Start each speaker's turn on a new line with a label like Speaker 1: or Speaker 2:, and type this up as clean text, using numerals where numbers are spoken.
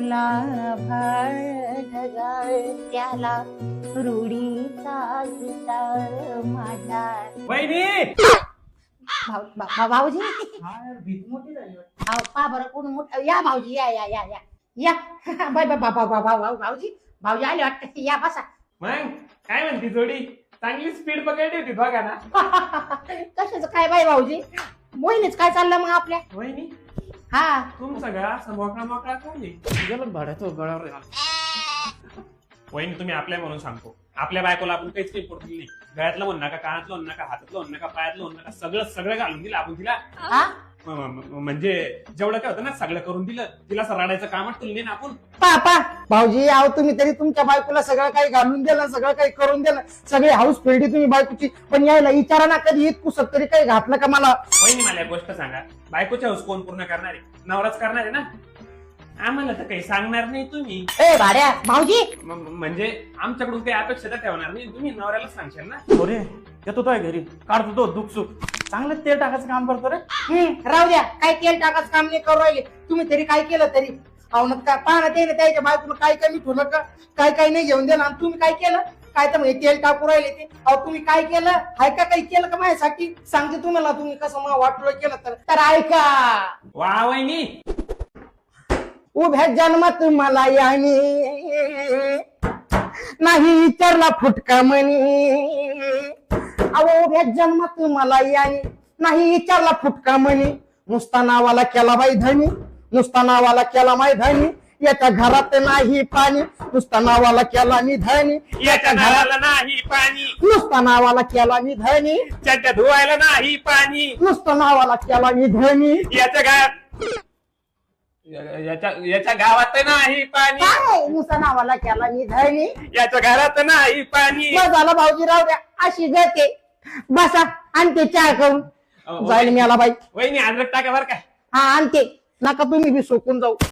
Speaker 1: फुला भाळ ढगाळ त्याला रुडीचा गिटाळ माझ्या
Speaker 2: वहिनी
Speaker 1: भाऊजी
Speaker 2: भीत मोठी झाली
Speaker 1: पा बरं कोण मोठ या भाऊजी या या या या या बाय बाय भाऊजी भाऊजी आले वाटतं या बसा
Speaker 2: मग काय म्हणती जोडी चांगली स्पीड पकडली होती बघा ना.
Speaker 1: कशाच काय बाय भाऊजी मोहिनीच काय चाललं मग आपल्या
Speaker 2: वहिनी
Speaker 1: हा
Speaker 2: तुमचा गळा असा मोकळा मोकळा कोणी गेलं भाड्याचं गळावर. वहिनी तुम्ही आपल्या म्हणून सांगतो आपल्या बायकोला आपण काहीच काही पडून दिली गळ्यातलं म्हणू नका कानातलं म्हणू नका हातातलं म्हणू नका पायातलं म्हणू नका सगळं सगळं घालून दिलं आपण तिला. म्हणजे जेवढं काय होतं ना सगळं करून दिलं तिला असं रडायचं कामच तुला ना आपण.
Speaker 3: पा भाऊजी आहो तुम्ही तरी तुमच्या बायकोला सगळं काही घालून दिलं सगळं काही करून दिलं सगळी हाऊस फेडी तुम्ही बायकोची पण यायला विचारा ना कधी इतकुसत तरी काही घातलं का मला.
Speaker 2: वहिनी मला एक गोष्ट सांगा बायकोच्या हाऊस कोण पूर्ण करणार आहे नवराच करणार आहे ना आम्हाला तर काही सांगणार नाही तुम्ही.
Speaker 1: ए भाड्या भाऊजी
Speaker 2: म्हणजे आमच्याकडून काही अपेक्षा तर ठेवणार नाही तुम्ही नवऱ्याला सांगशाल ना.
Speaker 4: अरे येतो तो घरी काढतो तो दुःख सुख चांगलं तेल टाकायचं काम करतो रे.
Speaker 3: राहू द्या काय तेल टाकाच काम नाही करू राहिले तुम्ही तरी काय केलं तरी अहो का पाहणं ते त्याच्या बायकोनं काय कमी ठेवलं का काय काय नाही घेऊन दिलं आणि तुम्ही काय केलं काय तर म्हणजे तेल टाकू राहिले ते अहो तुम्ही काय केलं हाय का काही केलं का माझ्यासाठी सांगते तुम्हाला तुम्ही कसं मला वाटलं केलं तर ऐका
Speaker 2: वा वहिनी
Speaker 3: उभ्या जन्मात मला याने नाही विचारला फुटका म्हणी अहो उभ्या जन्मात मला याने नाही विचारला फुटका म्हणी नुसता नावाला केला बाई धनी नुसता नावाला केला माय धनी याच्या घरात नाही पाणी नुसता नावाला केला मी धनी
Speaker 2: याच्या घराला नाही पाणी
Speaker 3: नुसता नावाला केला मी धनी
Speaker 2: त्याच्या धुवायला नाही पाणी
Speaker 3: नुसता नावाला केला मी धनी
Speaker 2: याच्या याच्या गावात नाही पाणी
Speaker 3: काय नुसता नावाला केला मी धनी
Speaker 2: याच्या घरात नाही पाणी.
Speaker 3: बस झालं भाऊजी राहू द्या अशी जाते बसा आणते चहा करून जाईल मी आला बाई
Speaker 2: वहिनी अद्रक टाका बर का.
Speaker 3: हा आणते नका तुम्ही बी सोकून जाऊ